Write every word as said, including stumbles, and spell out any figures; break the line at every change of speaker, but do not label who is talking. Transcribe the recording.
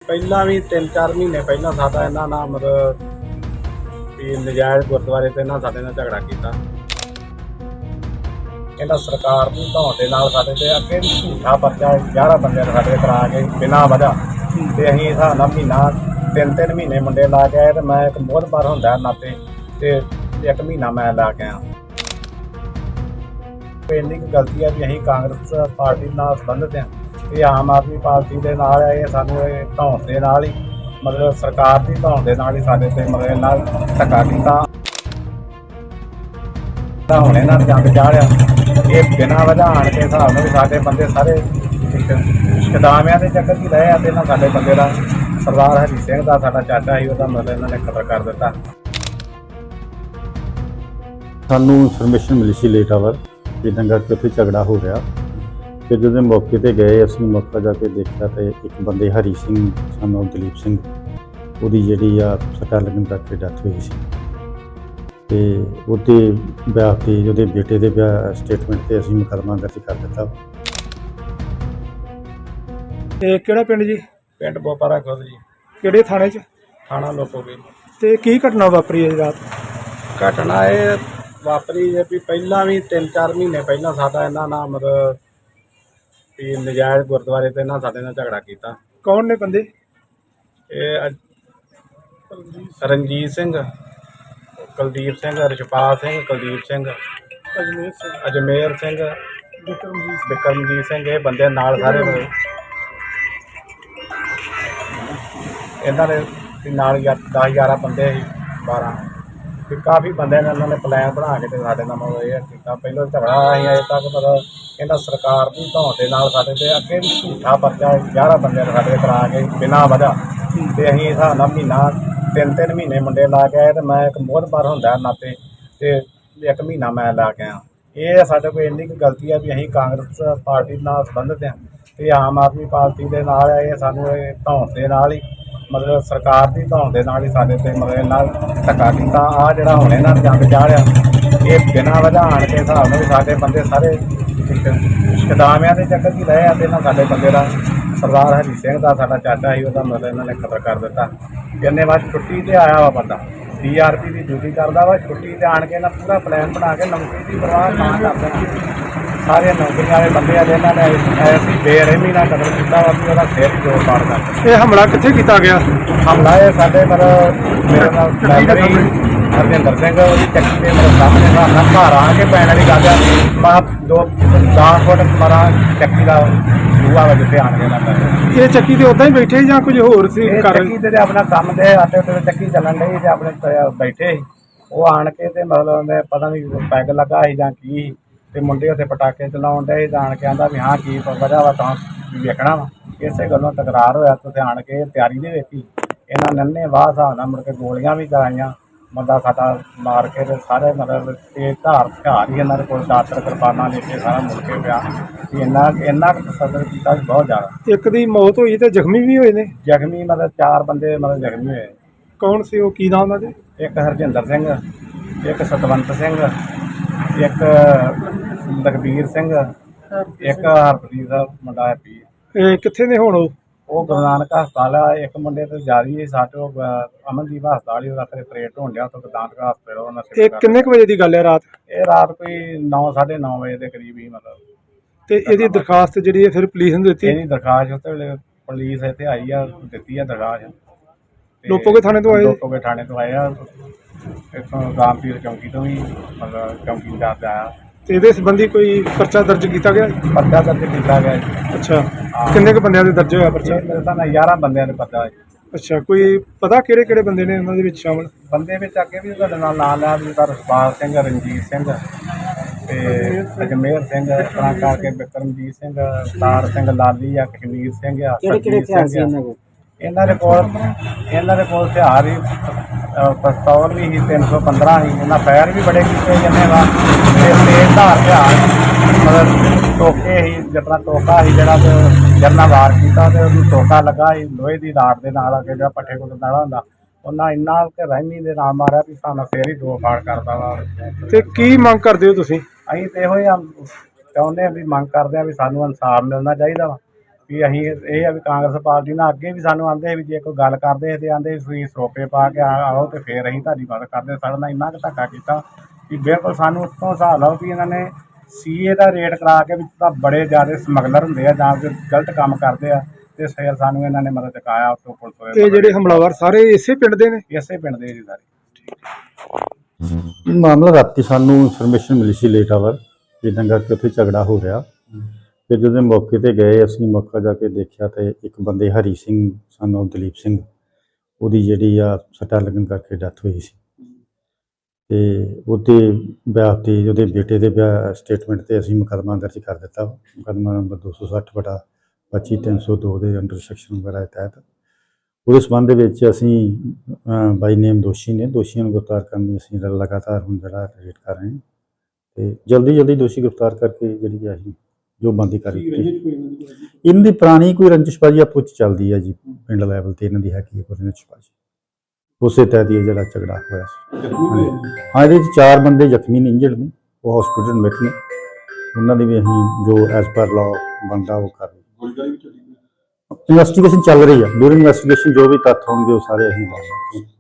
ਪਹਿਲਾਂ ਵੀ ਤਿੰਨ ਚਾਰ ਮਹੀਨੇ ਪਹਿਲਾਂ ਸਾਡਾ ਇਹਨਾਂ ਨਾਲ ਮਤਲਬ ਵੀ ਨਜਾਇਜ਼ ਗੁਰਦੁਆਰੇ ਤੇ ਇਹਨਾਂ ਸਾਡੇ ਨਾਲ ਝਗੜਾ ਕੀਤਾ। ਇਹਨਾਂ ਸਰਕਾਰ ਦੀ ਧੌਣ ਦੇ ਨਾਲ ਸਾਡੇ ਤੇ ਅੱਗੇ ਵੀ ਝੂਠਾ ਪਰਚਾ ਗਿਆਰਾਂ ਬੰਦਿਆਂ ਨੇ ਸਾਡੇ ਕਰਾ ਕੇ ਬਿਨਾਂ ਵਜ੍ਹਾ ਤੇ ਅਸੀਂ ਹਿਸਾਬ ਨਾਲ ਮਹੀਨਾ ਤਿੰਨ ਤਿੰਨ ਮਹੀਨੇ ਮੁੰਡੇ ਲਾ ਕੇ ਆਏ ਤੇ ਮੈਂ ਇੱਕ ਮੋਹਤਬਾਰ ਹੁੰਦਾ ਨਾਤੇ ਤੇ ਇੱਕ ਮਹੀਨਾ ਮੈਂ ਲਾ ਕੇ ਆਇਆ। ਇੰਨੀ ਕੁ ਗਲਤੀ ਹੈ ਵੀ ਅਸੀਂ ਕਾਂਗਰਸ ਪਾਰਟੀ ਨਾਲ ਸੰਬੰਧਿਤ ਹਾਂ ਇਹ ਆਮ ਆਦਮੀ ਪਾਰਟੀ ਦੇ ਨਾਲ ਹੈ। ਇਹ ਸਾਨੂੰ ਇਹ ਧੌਣ ਦੇ ਨਾਲ ਹੀ ਮਤਲਬ ਸਰਕਾਰ ਦੀ ਧੌਣ ਦੇ ਨਾਲ ਹੀ ਸਾਡੇ ਤੇ ਮਤਲਬ ਨਾਲ ਧੱਕਾ ਕੀਤਾ। ਹੁਣ ਇਹਨਾਂ ਨੇ ਜੰਗ ਚਾੜਿਆ ਇਹ ਬਿਨਾਂ ਵਜ੍ਹਾ ਆਣ ਕੇ ਹਿਸਾਬ ਨਾਲ ਵੀ ਸਾਡੇ ਬੰਦੇ ਸਾਰੇ ਕਦਾਮਿਆਂ ਦੇ ਚੱਕਰ 'ਚ ਰਹੇ ਆ ਤੇ ਇਹਨਾਂ ਸਾਡੇ ਬੰਦੇ ਦਾ ਸਰਦਾਰ ਹਰੀ ਸਿੰਘ ਦਾ ਸਾਡਾ ਚਾਚਾ ਸੀ ਉਹਦਾ ਮਤਲਬ ਇਹਨਾਂ ਨੇ ਕਤਲ ਕਰ ਦਿੱਤਾ।
ਸਾਨੂੰ ਇਨਫੋਰਮੇਸ਼ਨ ਮਿਲੀ ਸੀ ਲੇਟ ਆਵਰ ਕਿ ਦੰਗਾ ਕਿ ਉੱਥੇ ਝਗੜਾ ਹੋ ਰਿਹਾ ਤੇ ਜਦੋਂ ਮੌਕੇ ਤੇ ਗਏ ਅਸੀਂ ਮੌਕਾ ਜਾ ਕੇ ਦੇਖਿਆ ਤੇ ਇੱਕ ਬੰਦੇ ਹਰੀ ਸਿੰਘ ਸਾਨੂੰ ਦਲੀਪ ਸਿੰਘ ਉਹਦੀ ਜਿਹੜੀ ਆ ਸੱਟਾਂ ਲੱਗਣ ਕਰਕੇ ਡੈਥ ਹੋਈ ਸੀ ਤੇ ਉਹਦੇ ਵਿਆਹ ਤੇ ਉਹਦੇ ਬੇਟੇ ਦੇ ਵਿਆਹ ਸਟੇਟਮੈਂਟ ਤੇ ਅਸੀਂ ਮੁਕੱਦਮਾ ਦਰਜ ਕਰ ਦਿੱਤਾ।
ਤੇ ਕਿਹੜਾ ਪਿੰਡ ਜੀ?
ਪਿੰਡ ਬੋਪਾਰਾ ਖੁਦ ਜੀ।
ਕਿਹੜੇ ਥਾਣੇ 'ਚ?
ਥਾਣਾ ਲੋਕੋਗੇ।
ਤੇ ਕੀ ਘਟਨਾ ਵਾਪਰੀ ਹੈ ਰਾਤ?
ਘਟਨਾ ਇਹ ਵਾਪਰੀ ਹੈ ਵੀ ਪਹਿਲਾਂ ਵੀ ਤਿੰਨ ਚਾਰ ਮਹੀਨੇ ਪਹਿਲਾਂ ਸਾਡਾ ਇਹਨਾਂ ਨਾਲ ਮਤਲਬ ਵੀ ਨਜਾਇਜ਼ ਗੁਰਦੁਆਰੇ ਤੇ ਇਹਨਾਂ ਸਾਡੇ ਨਾਲ ਝਗੜਾ ਕੀਤਾ।
ਕੌਣ ਨੇ ਬੰਦੇ?
ਇਹ ਅਜ- ਰਣਜੀਤ ਸਿੰਘ, ਕੁਲਦੀਪ ਸਿੰਘ, ਰਿਸ਼ਪਾਲ ਸਿੰਘ, ਕੁਲਦੀਪ ਸਿੰਘ,
ਅਜਮੇਰ ਸਿੰਘ,
ਅਜਮੇਰ ਸਿੰਘ,
ਵਿਕਰਮਜੀਤ
ਬਿਕਰਮਜੀਤ ਸਿੰਘ ਇਹ ਬੰਦੇ ਨਾਲ ਸਾਰੇ ਹੋਏ। ਇਹਨਾਂ ਦੇ ਵੀ ਨਾਲ ਦਸ ਗਿਆਰਾਂ ਬੰਦੇ ਸੀ ਬਾਰਾਂ ਵੀ ਕਾਫੀ ਬੰਦਿਆਂ ਨੇ ਇਹਨਾਂ ਨੇ ਪਲਾਨ ਬਣਾ ਕੇ ਤੇ ਸਾਡੇ ਨਾਲ ਮਤਲਬ ਇਹ ਕੀਤਾ। ਪਹਿਲਾਂ ਝਗੜਾ ਅਸੀਂ ਅਜੇ ਤੱਕ ਮਤਲਬ ਇਹਨਾਂ ਸਰਕਾਰ ਦੀ ਧੌਣ ਦੇ ਨਾਲ ਸਾਡੇ ਤੇ ਅੱਗੇ ਵੀ ਝੂਠਾ ਪਰਚਾ ਗਿਆਰਾਂ ਬੰਦਿਆਂ ਨੇ ਸਾਡੇ ਕਰਾ ਕੇ ਬਿਨਾਂ ਵਜ੍ਹਾ ਤੇ ਅਸੀਂ ਹਿਸਾਬ ਨਾਲ ਮਹੀਨਾ ਤਿੰਨ ਤਿੰਨ ਮਹੀਨੇ ਮੁੰਡੇ ਲਾ ਕੇ ਆਏ ਤੇ ਮੈਂ ਇੱਕ ਮੋਹਤਬਾਰ ਹੁੰਦਾ ਨਾਤੇ ਤੇ ਇੱਕ ਮਹੀਨਾ ਮੈਂ ਲਾ ਕੇ ਆਇਆ। ਇਹ ਸਾਡੇ ਕੋਲ ਇੰਨੀ ਕੁ ਗਲਤੀ ਹੈ ਵੀ ਅਸੀਂ ਕਾਂਗਰਸ ਪਾਰਟੀ ਨਾਲ ਸੰਬੰਧਿਤ ਹਾਂ ਤੇ ਆਮ ਆਦਮੀ ਪਾਰਟੀ ਦੇ ਨਾਲ ਹੈ। ਇਹ ਸਾਨੂੰ ਇਹ ਧੌਣ ਦੇ ਨਾਲ ਹੀ ਮਤਲਬ ਸਰਕਾਰ ਦੀ ਧੌਣ ਦੇ ਨਾਲ ਹੀ ਸਾਡੇ ਤੇ ਮਤਲਬ ਨਾਲ ਧੱਕਾ ਕੀਤਾ। ਆਹ ਜਿਹੜਾ ਹੁਣ ਇਹਨਾਂ ਨੇ ਜੰਗ ਚਾੜਿਆ ਇਹ ਬਿਨਾਂ ਵਜ੍ਹਾ ਆਣ ਕੇ ਹਿਸਾਬ ਨਾਲ ਵੀ ਸਾਡੇ ਬੰਦੇ ਸਾਰੇ ਕਦਾਮਿਆਂ ਦੇ ਚੱਕਰ 'ਚ ਰਹੇ ਆ ਤੇ ਇਹਨਾਂ ਸਾਡੇ ਬੰਦੇ ਦਾ ਸਰਦਾਰ ਹਰੀ ਸਿੰਘ ਦਾ ਸਾਡਾ ਚਾਚਾ ਸੀ ਉਹਦਾ ਮਤਲਬ ਇਹਨਾਂ ਨੇ ਕਤਲ ਕਰ ਦਿੱਤਾ। ਕਿੰਨੇ ਵਾਰ ਛੁੱਟੀ ਤੇ ਆਇਆ ਵਾ ਬੰਦਾ ਡੀ ਆਰ ਪੀ ਦੀ ਡਿਊਟੀ ਕਰਦਾ ਵਾ ਛੁੱਟੀ ਤੇ ਆਣ ਕੇ ਇਹਨਾਂ ਪੂਰਾ ਪਲਾਨ ਬਣਾ ਕੇ ਨੌਕਰੀ ਦੀ ਪਰਵਾਹ ਨਾ ਕਰਦੇ ਸਾਰੇ ਨੌਕਰੀਆਂ ਵਾਲੇ ਬੰਦੇ ਆ ਇਹਨਾਂ ਨੇ ਐਸੀ ਬੇਰਹਿਮੀ ਨਾਲ ਕਤਲ ਕੀਤਾ ਵਾ ਵੀ ਉਹਦਾ ਸਿਰ ਜੋੜ ਪਾੜ ਕਰ।
ਇਹ ਹਮਲਾ ਕਿੱਥੇ ਕੀਤਾ ਗਿਆ?
ਹਮਲਾ ਇਹ ਸਾਡੇ ਮਤਲਬ ਮੇਰੇ ਨਾਲ ਮੈਂਬਰੀ ਹਰਜਿੰਦਰ ਸਿੰਘ ਉਹਦੀ ਚੱਕੀ ਦੇ ਮੇਰੇ ਸਾਹਮਣੇ ਸਾਡਾ ਘਰ ਆ ਕੇ ਪੈਣ ਵਾਲੀ ਗੱਲ ਆ ਮੈਂ ਦੋ ਦਸ ਫੁੱਟ ਮਾਰਾ ਚੱਕੀ ਦਾ ਦੂਆ ਵਜੇ ਤੇ ਆਣ ਕੇ ਨਾ
ਇਹ ਚੱਕੀ ਤੇ ਉਦਾਂ ਹੀ ਬੈਠੇ ਜਾਂ ਕੁਝ ਹੋਰ ਸੀ ਕਰ?
ਚੱਕੀ ਤੇ ਆਪਣਾ ਕੰਮ ਦੇ ਆਟੇ ਉੱਤੇ ਚੱਕੀ ਚੱਲਣ ਡਈ ਤੇ ਆਪਣੇ ਬੈਠੇ ਸੀ ਉਹ ਆਣ ਕੇ ਤੇ ਮਤਲਬ ਉਹਨੇ ਪਤਾ ਨਹੀਂ ਪੈਗ ਲੱਗਾ ਸੀ ਜਾਂ ਕੀ ਤੇ ਮੁੰਡੇ ਉੱਥੇ ਪਟਾਕੇ ਚਲਾਉਣ ਡਏ ਜਾਣ ਕੇ ਆਂਦਾ ਵੀ ਹਾਂ ਕੀ ਵਜ੍ਹਾ ਵਾ ਤਾਂ ਵੇਖਣਾ ਵਾ। ਇਸੇ ਗੱਲੋਂ ਤਕਰਾਰ ਹੋਇਆ ਤੇ ਆਣ ਕੇ ਤਿਆਰੀ ਦੇ ਵਿੱਚ ਹੀ ਇਹਨਾਂ ਨੰਨੇ ਵਾਹ ਹਿਸਾਬ ਨਾਲ ਮੁੜ ਕੇ ਗੋਲੀਆਂ ਵੀ ਚਲਾਈਆਂ। ਬੰਦਾ ਸਾਡਾ ਮਾਰ ਕੇ ਤੇ ਸਾਰੇ ਮਤਲਬ ਤੇਜ਼ ਧਾਰ ਹਥਿਆਰ ਹੀ ਇਹਨਾਂ ਦੇ ਕੋਲ ਦਾਤਰ ਕਿਰਪਾਨਾਂ ਲੈ ਕੇ ਸਾਰਾ ਮੁੜ ਕੇ ਪਿਆ ਵੀ ਇੰਨਾ ਇੰਨਾ ਕੁ ਤਸੱਦਦ ਕੀਤਾ ਬਹੁਤ ਜ਼ਿਆਦਾ।
ਇੱਕ ਦੀ ਮੌਤ ਹੋਈ ਤੇ ਜ਼ਖਮੀ ਵੀ ਹੋਏ ਨੇ?
ਜ਼ਖਮੀ ਮਤਲਬ ਚਾਰ ਬੰਦੇ ਮਤਲਬ ਜ਼ਖਮੀ ਹੋਏ।
ਕੌਣ ਸੀ ਉਹ? ਕੀ ਨਾਮ ਉਹਨਾਂ ਦੇ?
ਇੱਕ ਹਰਜਿੰਦਰ ਸਿੰਘ, ਇੱਕ ਸਤਵੰਤ ਸਿੰਘ, ਇੱਕ ਲਖਬੀਰ ਸਿੰਘ, ਇੱਕ ਹਰਪ੍ਰੀਤ ਦਾ ਮੁੰਡਾ ਹੈਪੀ।
ਇਹ ਕਿੱਥੇ ਨੇ ਹੁਣ? ਉਹ
ਉਹ ਗੁਰੂ ਨਾਨਕ ਹਸਪਤਾਲ ਆ। ਇੱਕ ਮੁੰਡੇ ਤੇ ਜਾਰੀ ਹੈ ਸਾਡੇ ਉਹ ਅਮਨਦੀਪ ਹਸਪਤਾਲ ਹੀ ਉਹਦਾ ਫਿਰ ਆਪਰੇਟ ਹੋਣ ਡਿਆ ਉੱਥੋਂ ਗੁਰੂ ਨਾਨਕ ਹਸਪਤਾਲ ਉਹਨਾਂ
ਇਹ ਕਿੰਨੇ ਕੁ ਵਜੇ ਦੀ ਗੱਲ ਹੈ ਰਾਤ?
ਇਹ ਰਾਤ ਕੋਈ ਨੌ ਸਾਢੇ ਨੌ ਵਜੇ ਦੇ ਕਰੀਬ ਹੀ ਮਤਲਬ।
ਤੇ ਇਹਦੀ ਦਰਖਾਸਤ ਜਿਹੜੀ ਹੈ ਫਿਰ ਪੁਲਿਸ ਨੂੰ ਦਿੱਤੀ?
ਇਹਦੀ ਦਰਖਾਸਤ ਉੱਤੇ ਵੇਲੇ ਪੁਲਿਸ ਇੱਥੇ ਆਈ ਆ ਦਿੱਤੀ ਆ ਦਰਖਾਸਤ।
ਲੋਪੋਗੇ ਥਾਣੇ ਤੋਂ ਆਏ?
ਲੋਪੋਗੇ ਥਾਣੇ ਤੋਂ ਆਏ ਆ ਇੱਥੋਂ ਰਾਮਪੀਰ ਚੌਂਕੀ ਤੋਂ ਵੀ ਮਤਲਬ ਚੌਂਕੀਦਾਰ ਆਇਆ
ਤੇ ਇਹਦੇ ਸੰਬੰਧੀ ਕੋਈ ਪਰਚਾ ਦਰਜ ਕੀਤਾ ਗਿਆ?
ਪਰਚਾ ਦਰਜ ਕੀਤਾ ਗਿਆ ਜੀ।
ਅੱਛਾ ਕਿੰਨੇ ਕੁ ਬੰਦਿਆਂ ਦੇ ਦਰਜ ਹੋਇਆ ਪਰਚਾ?
ਮੇਰੇ ਤਾਂ ਗਿਆਰਾਂ ਬੰਦਿਆਂ ਦੇ ਪਰਚਾ ਹੈ।
ਅੱਛਾ ਕੋਈ ਪਤਾ ਕਿਹੜੇ ਕਿਹੜੇ ਬੰਦੇ ਨੇ ਉਹਨਾਂ ਦੇ ਵਿੱਚ ਸ਼ਾਮਲ?
ਬੰਦੇ ਵਿੱਚ ਅੱਗੇ ਵੀ ਤੁਹਾਡੇ ਨਾਲ ਨਾਂ ਲਿਆ ਵੀ ਤਾਂ ਰਸਪਾਲ ਸਿੰਘ, ਰਣਜੀਤ ਸਿੰਘ ਤੇ ਅਜਮੇਰ ਸਿੰਘ ਇਸ ਤਰ੍ਹਾਂ ਕਰਕੇ ਬਿਕਰਮਜੀਤ ਸਿੰਘ, ਸਤਾਰ ਸਿੰਘ, ਲਾਲੀ ਆ, ਕਸ਼ਮੀਰ ਸਿੰਘ ਆ। ਕਿਹੜੇ ਕਿਹੜੇ ਹਥਿਆਰ ਸੀ ਇਹਨਾਂ ਕੋਲ? ਇਹਨਾਂ ਦੇ ਕੋਲ ਇਹਨਾਂ ਦੇ ਕੋਲ ਹਥਿਆਰ ਹੀ ਪਿਸਤੌਲ ਵੀ ਸੀ ਤਿੰਨ ਸੌ ਪੰਦਰਾਂ ਸੀ। ਇਹਨਾਂ ਫਾਇਰ ਵੀ ਬੜੇ ਕੀਤੇ ਜਾਂਦੇ ਵਾ ਤੇ ਤੇਜ਼ ਧਾਰ ਹਥਿਆਰ ਮਤਲਬ ਟੋਕੇ ਸੀ ਜਿਸ ਤਰ੍ਹਾਂ ਟੋਕਾ ਸੀ ਜਿਹੜਾ ਤੇ ਜਰਨਾ ਵਾਰ ਕੀਤਾ ਤੇ ਉਹਨੂੰ ਟੋਕਾ ਲੱਗਾ ਸੀ ਲੋਹੇ ਦੀ ਰਾਡ ਦੇ ਨਾਲ ਅੱਗੇ ਜਿਹੜਾ ਪੱਠੇ ਕੋਲ ਨਾਲਾ ਹੁੰਦਾ ਉਹਨਾਂ ਇੰਨਾ ਕਿ ਰਹਿਮੀ ਦੇ ਨਾਲ ਮਾਰਿਆ ਵੀ ਸਾਨੂੰ ਫੇਰ ਹੀ ਦੋ ਫਾੜ ਕਰਦਾ ਵਾ।
ਤੇ ਕੀ ਮੰਗ ਕਰਦੇ ਹੋ ਤੁਸੀਂ?
ਅਸੀਂ ਤੇ ਇਹੋ ਹੀ ਚਾਹੁੰਦੇ ਹਾਂ ਵੀ ਮੰਗ ਕਰਦੇ ਹਾਂ ਵੀ ਸਾਨੂੰ ਇਨਸਾਫ ਮਿਲਣਾ ਚਾਹੀਦਾ ਵਾ ਵੀ ਅਸੀਂ ਇਹ ਆ ਵੀ ਕਾਂਗਰਸ ਪਾਰਟੀ ਨਾਲ ਅੱਗੇ ਵੀ ਸਾਨੂੰ ਆਂਦੇ ਵੀ ਜੇ ਕੋਈ ਗੱਲ ਕਰਦੇ ਤੇ ਆਂਦੇ ਵੀ ਤੁਸੀਂ ਸਰੋਪੇ ਪਾ ਕੇ ਆ- ਆਓ ਤੇ ਫਿਰ ਅਸੀਂ ਤੁਹਾਡੀ ਮਦਦ ਕਰਦੇ। ਸਾਡੇ ਨਾਲ ਇੰਨਾ ਕੁ ਧੱਕਾ ਕੀਤਾ ਵੀ ਬਿਲਕੁਲ ਸਾਨੂੰ ਉੱਤੋਂ ਹਿਸਾਬ ਲਾਓ ਵੀ ਇਹਨਾਂ ਨੇ ਸੀਏ ਦਾ ਰੇਟ ਕਰਾ ਕੇ ਵੀ ਤਾਂ ਬੜੇ ਜ਼ਿਆਦਾ ਸਮਗਲਰ ਹੁੰਦੇ ਆ ਜਾਂ ਫਿਰ ਗਲਤ ਕੰਮ ਕਰਦੇ ਆ ਤੇ ਫਿਰ ਸਾਨੂੰ ਇਹਨਾਂ ਨੇ ਮਦਦ ਚੁਕਾਇਆ ਉੱਤੋਂ ਪੁਲਿਸ ਵਾਲੇ
ਇਹ ਜਿਹੜੇ ਹਮਲਾਵਰ ਸਾਰੇ ਇਸੇ ਪਿੰਡ ਦੇ ਨੇ?
ਇਸੇ ਪਿੰਡ ਦੇ ਜੀ ਸਾਰੇ।
ਇਹ ਮਾਮਲਾ ਰਾਤੀ ਸਾਨੂੰ ਇਨਫੋਰਮੇਸ਼ਨ ਮਿਲੀ ਸੀ ਲੇਟ ਆਵਰ ਜਿੱਦਾਂ ਕਰਕੇ ਉੱਥੇ ਝਗੜਾ ਹੋ ਰਿਹਾ। ਫਿਰ ਜਦੋਂ ਮੌਕੇ ਤੇ ਗਏ ਅਸੀਂ ਮੌਕਾ ਜਾ ਕੇ ਦੇਖਿਆ ਤੇ ਇੱਕ ਬੰਦੇ ਹਰੀ ਸਿੰਘ ਸਾਨੂੰ ਦਲੀਪ ਸਿੰਘ ਉਹਦੀ ਜਿਹੜੀ ਆ ਸੱਟਾਂ ਲੱਗਣ ਕਰਕੇ ਡੈਥ ਹੋਈ ਸੀ ਤੇ ਉਹਦੇ ਵਿਆਹ ਤੇ ਉਹਦੇ ਬੇਟੇ ਦੇ ਵਿਆਹ ਸਟੇਟਮੈਂਟ ਤੇ ਅਸੀਂ ਮੁਕੱਦਮਾ ਦਰਜ ਕਰ ਦਿੱਤਾ। ਮੁਕੱਦਮਾ ਨੰਬਰ ਦੋ ਸੌ ਸੱਠ ਬਟਾ ਪੱਚੀ ਤਿੰਨ ਸੌ ਦੋ ਦੇ ਅੰਡਰ ਸੈਕਸ਼ਨ ਵਗੈਰਾ ਦੇ ਤਹਿਤ ਉਹਦੇ ਸੰਬੰਧ ਵਿੱਚ ਅਸੀਂ ਬਾਈ ਨੇਮ ਦੋਸ਼ੀ ਨੇ ਦੋਸ਼ੀਆਂ ਨੂੰ ਗ੍ਰਿਫਤਾਰ ਕਰਨ ਲਈ ਅਸੀਂ ਲਗਾਤਾਰ ਹੁਣ ਜਿਹੜਾ ਰੇਟ ਕਰ ਰਹੇ ਹਾਂ ਤੇ ਜਲਦੀ ਜਲਦੀ ਦੋਸ਼ੀ ਗ੍ਰਿਫਤਾਰ ਕਰਕੇ ਜਿਹੜੀ ਆ ਅਸੀਂ ਜੋ ਬੰਦੀ ਕਰ ਦਿੱਤੀ। ਇਹਨਾਂ ਦੀ ਪੁਰਾਣੀ ਕੋਈ ਰੰਜਿਸ਼ਬਾਜੀ ਆਪੋ 'ਚ ਚੱਲਦੀ ਹੈ ਜੀ ਪਿੰਡ ਲੈਵਲ ਤੇ ਇਹਨਾਂ ਦੀ ਹੈਗੀ ਹੈ ਕੋਈ ਰੰਜਿਸ਼ਬਾਜੀ ਉਸੇ ਤਹਿਤ ਹੀ ਜਿਹੜਾ ਝਗੜਾ ਹੋਇਆ ਸੀ। ਹਾਂ ਇਹਦੇ 'ਚ ਚਾਰ ਬੰਦੇ ਜ਼ਖਮੀ ਨੇ ਇੰਜਰਡ ਨੇ ਉਹ ਹਸਪੀਟਲ ਐਡਮਿਟ ਨੇ ਉਹਨਾਂ ਦੀ ਵੀ ਅਸੀਂ ਜੋ ਐਜ਼ ਪਰ ਲਾਅ ਬਣਦਾ ਉਹ ਕਰ ਰਹੇ। ਇਨਵੈਸਟੀਗੇਸ਼ਨ ਚੱਲ ਰਹੀ ਹੈ। ਡੂਰਿੰਗ ਇਨਵੈਸਟੀਗੇਸ਼ਨ ਜੋ ਵੀ ਤੱਥ ਹੋਣਗੇ ਉਹ ਸਾਰੇ ਅਸੀਂ ਦੱਸਾਂਗੇ।